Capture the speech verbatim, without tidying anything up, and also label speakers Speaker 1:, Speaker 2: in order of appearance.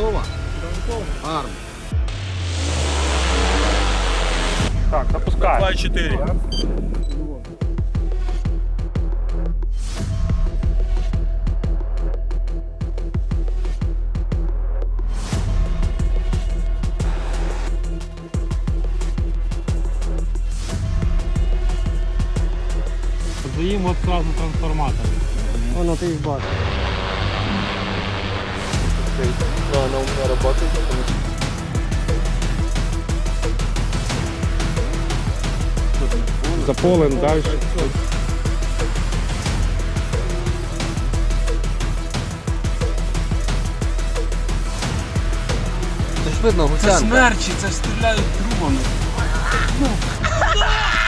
Speaker 1: готова? Арм.
Speaker 2: Так, запускаємо.
Speaker 3: два і чотири.
Speaker 2: Заїм от сразу трансформатор.
Speaker 4: Воно ти їх бачиш.
Speaker 3: Да, она у меня работает.
Speaker 2: За полем далі.
Speaker 1: Це ж видно,
Speaker 5: Це
Speaker 1: гусянка.
Speaker 5: смерчі, це ж стріляють трубами.